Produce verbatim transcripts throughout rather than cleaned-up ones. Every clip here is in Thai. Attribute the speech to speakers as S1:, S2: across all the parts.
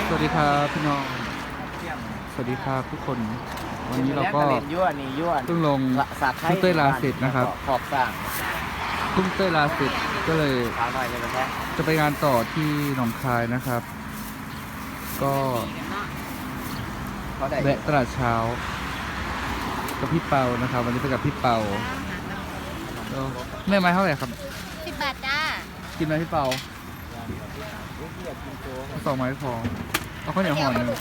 S1: วัสดีครับพี่น้องสวัสดีครับทุกคนวันนี้เราก็เพิ่งลงทุ่งเต้ยลาเสร็จนะครับ
S2: ขอบสร้าง
S1: ทุ่งเต้ยลาเสร็จก็เลย
S2: ขาวหน่อยเลยนะ
S1: จะไปงานต่อที่หนองคายนะครับ ก็แวะตลาดเช้ากับพี่เปานะครับ วันนี้ไปกับพี่เปาแม่ไม้เท่าไหร่ครับ
S3: สิบบาทจ้า
S1: กินไหมพี่เปาสองไม้พอเอาข้าวเหนียวห่อหนึ่ง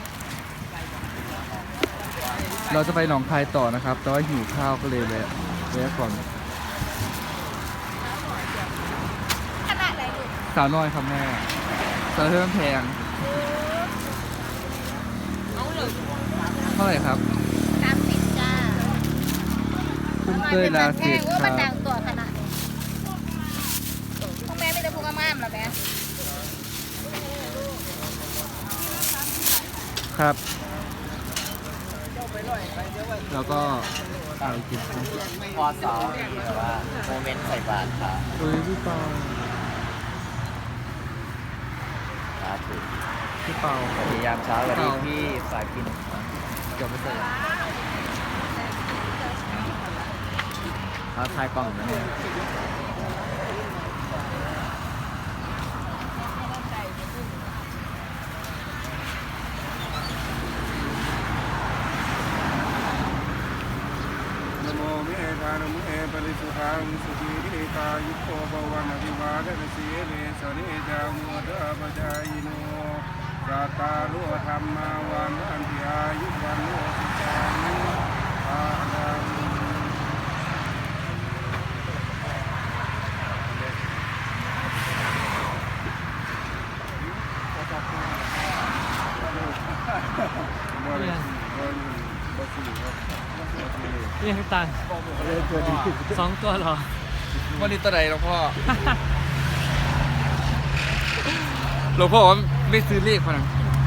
S1: เราจะไปหนองคายต่อนะครับ แต่ว่าหิวข้าวก็เลยแวะแวะก่อน
S3: ขนาดไหนลูก
S1: สาวน้อยครับแม่สาวเพิ่มแพง
S3: เอาเลย
S1: เท่าไหร่ครับ
S3: สามสิบจ้า
S1: ทุ่งเต้ยลาเสร็จ
S3: ว่า
S1: ค
S3: มัน
S1: รับ
S3: ดังตัวขนาดนี้พ่อแม่ไม่ได้พูดกับม่ามหรอแม่
S1: ครับแล้วก็อะไรกินครับ
S2: พอสองแต่ว่าโมเมนต์ใส่บาตรค่ะ
S1: เฮ้ยพี่เปา
S2: ครับ
S1: พี่เปา
S2: พยายามเช้าวันนี้พี่สายกิน
S1: เดี๋ยวไปใส่
S2: เขาทายกล้องนะเนี่ย
S4: นโมเมธานมุเอปริสุทธังสุขีริกายุโกภวันอภิวาทนาสีเลสเนจามุตะปจายโนสัตตาลุธรรมาวันอันติอายุวันโนสุขังภาลังบ่ได้บ่บ่สิครับ
S5: นี่ให้ตังค์สองตัวเหรอ
S1: วันนี้ตัวไหนหลวงพ่อ หลวงพ่อว่าไม่ซื้อเลขพอนะ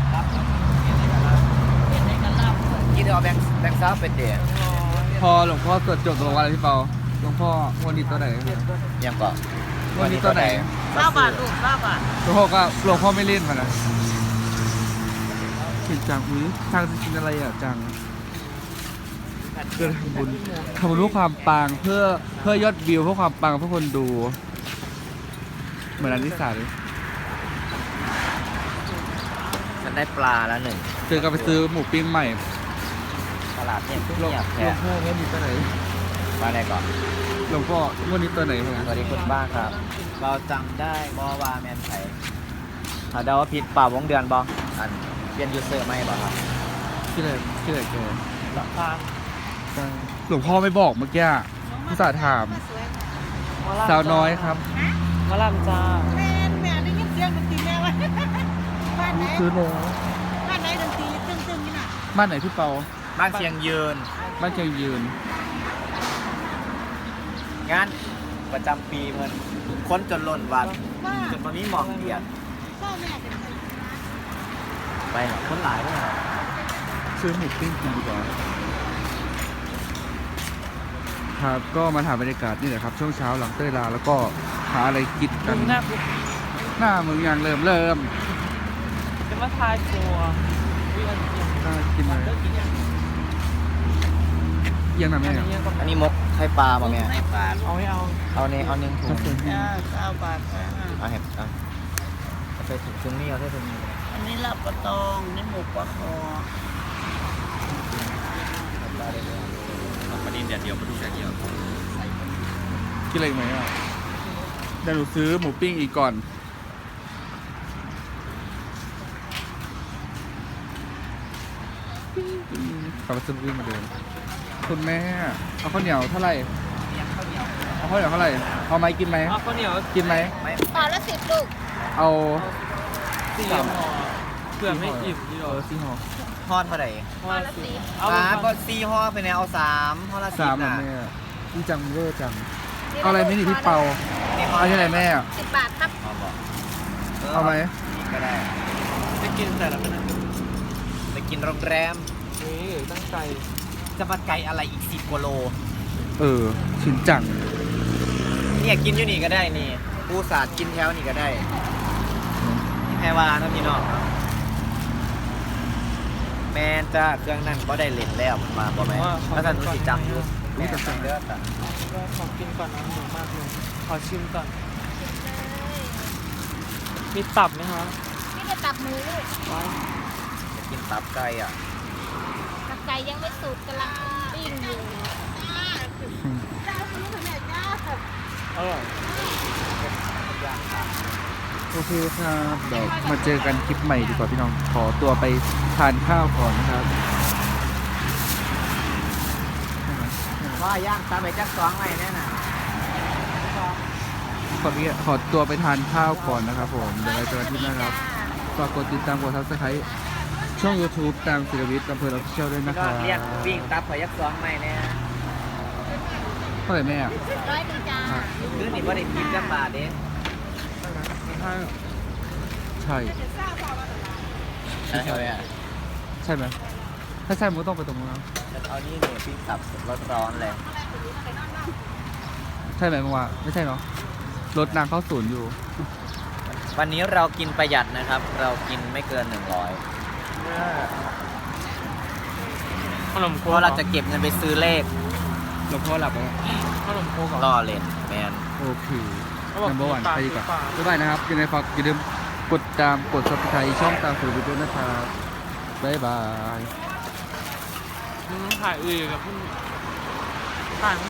S2: กินเอาแบงค์แบงค์ซ้าเป็นเดีย
S1: พอหลวงพ่อตรวจจบตัววันอะไรพี่เปาหลวงพ่อวันนี้ตัวไหนครับ
S2: ยังก่อน
S1: วันนี้ตัวไหน
S3: เก้าบาทลูกเก้าบาท
S1: หลวงพ่อก็หลวงพ่อไม่เล่นพอนะเห็นจังอุ้ยทางจะกินอะไรอ่ะจังเพื่อทำบุญทำบุญเพื่อความปังเพื่อเพื่อยอดวิวเพื่อความปังเพื่อคนดู เหมือนอันที่สามเลย
S2: ฉันได้ปลาแล้วหนึ่ง
S1: เจอกันไปซื้อหมูปิ้งใหม่
S2: ตลาดเนี่ย
S1: หลวง
S2: เงียบ
S1: หล
S2: แค่
S1: วงพ่อวันนี้ตัวไหน
S2: มาได้ก่อน
S1: หลวงพ่อวันนี้ตัวไหนพอ
S2: ส
S1: นะ
S2: วัสดีคุณบ้างครับ เราจำได้บอวาแมนไทยถ้าเดาว่าผิดเปล่าวงเดือนบออันเปลี่ยนยูเซอร์ไหมบอครับ
S1: ชื่ออะไรชื่ออะไรแก
S5: ราคา
S1: หลวงพ่อไม่บอกเมื่อกี้ผู้สาห์ถาม สาวน้อยครับ
S5: มะลำจ้า
S3: แม่แม่ได้ยินเสียงดนตรีแม่วะบ้านไหน
S1: ซื้อโล
S3: บ้านไหนดนตรีตึ้งๆนี่น่ะ
S1: บ้านไหนพี่เปา
S2: บ้านเชียงยืน
S1: บ้านเชียงยืน
S2: งานประจำปีเพิ่นคนจนล้นวัด
S3: ว่า
S2: จนตอนนี้หมองเกียด
S3: พ่อแม่เป็นใคร
S2: ไปหรอคนหลายด้วยเหรอ
S1: ซื้อหมูปิ้งกินดีกว่าครับก็มาถ่ายบรรยากาศนี่แหละครับ ช่วงเช้าหลังเต้ยลาแล้วก็หาอะไรกินกั
S5: ดู
S1: น
S5: หน้าปุ๊บ
S1: หน้ามึงยังเริ่มเริ่ม
S5: จะมาทายตัววิอันเดียว
S1: น่ากินไหม
S5: เลิกกินยัง
S1: เอียังหน่ะ
S5: อั
S1: แม่
S5: นนี้ยังก็
S2: อันนี้มกไข่ปลาป่ะแม่
S3: ในป่า
S5: เอาไม่เอา
S2: เอาเนี่ยเอาหนึ่งถุง
S3: จ้าเก้าบาทจ้า
S2: เอาเห็ดเอาเอาใส่ถุงถุงนี้เอาใส่ถุงนี้
S3: อันนี้ลาบปลาตองนี่หมูปลาคอ
S2: ปลาดินเดียวเดียวปลาดุกเดียวเดียว
S1: กินอะไรอีกไหมอ่ะเดี๋ยวหนูซื้อหมูปิ้งอีกก่อนกลับมาซื้อหมูปิ้งเหมาเดิมคุณแม่เอาข้าวเหนียวเท่าไหร่เอาข้าวเหนียวเท่าไหร่เอาไหมกินไหม
S5: เอาข้าวเหนียว
S1: กินไหม
S2: ไม่
S3: ห่อละสิบลูก
S1: เอา
S5: สี่ห่อเพื่อไม่อิ่มที่
S1: เอ
S5: เรา
S1: อสี่ห่อ
S2: ทอดเท่าไหร่
S5: ห่อละสิบเอา
S2: อ่าก็สี่ห่อไปเนี่ยเอาสามห่อละสิ
S1: สา
S2: บ
S1: มเหรอ
S2: นะ
S1: แม่พี่จังเวอร์จังเอาอะไรไม่หนีพี่เปาเอาที่ไหนแม่
S3: สิบบาทครับ
S2: เอาบอก
S1: เอาไหม
S2: ก็ได้
S5: จะกินแต่ละขนาด
S2: ไปกินโรงแรม
S5: นี่ตั้งใจ
S2: จะมาไกลอะไรอีกสิบกว่าโล
S1: เออชินจัง
S2: เนี่ยกินอยู่นี่ก็ได้นี่ปูสาดกินแถวนี่ก็ได้แพรวาเนาะพี่น้องแม่นจ้าเครื่องนั่นก็ได้เล่นแล้วมันมาบ่แม่แล้วท่านรู้สิจำอยู่แม่จำเด้อจ้ะ
S5: ก็ขอกินก่อนนะหมูมากเลย ขอชิมก่อน มีตับไหมคะ
S3: นี่จะตับหมู
S5: ว้าว
S2: จะกินตับไก่อ่ะ
S3: ตับไก่ยังไม่สุกกำลังปิ้งอยู่
S5: อร่อย
S2: ย่างค่ะ
S1: โอเคครับเดี๋ยวมาเจอกันคลิปใหม่ดีกว่าพี่น้องขอตัวไปทานข้าวก่อนนะครับ
S2: ว่าย่างตามไปจักสองไว้แน่น่ะ
S1: ขอพี่ขอตัวไปทานข้าวก่อนนะครับผมเดี๋ยวเราเจอกันที่หน้าครับฝากกดติดตามกดซับสไครต์ช่อง YouTube ตามศิลวิทย์อำเภอเราเชี่ยวด้วยนะค
S2: ก็
S1: รับ
S2: เรียกวิ่งตับไปจักสองไว้แน่
S1: เท่าไหร่แม่อะ
S3: ร้อยหนึ่งจ้า
S2: คือนี่บ่ได้กินจักบาทเด้
S1: ใช่
S2: ใช่ไหมอ่ะ
S1: ใช่ไหมถ้าใช่มันก็ต้องไปตรงนั้น
S2: เอานี่เนี่ยปิ้งตับร้อนๆเลย
S1: ใช่ไหมมึงว่าไม่ใช่เนาะรถนางเข้าศูนย์อยู่
S2: วันนี้เรากินประหยัดนะครับ เรากินไม่เกินหนึ่งร้อย
S5: ขนมโค
S2: เพราะเราจะเก็บเงินไปซื้อเลข
S1: หลวงพ่อหลับแล้ว
S5: ขนมโคกับ
S2: ล่อเล่นแมน
S1: โอเค
S5: เขาบอก
S1: นัมเบอร์วัน
S5: ปลา
S1: ไปดีกว่า
S5: ปลา
S1: บ๊ายบายนะครับยังไงฝากอย่าลืมกดตามกด subscribe ช่องตามสื่อวิดีโอนะครับบ๊ายบาย
S5: มึงถ่ายอื่นกับพี่ถ่าย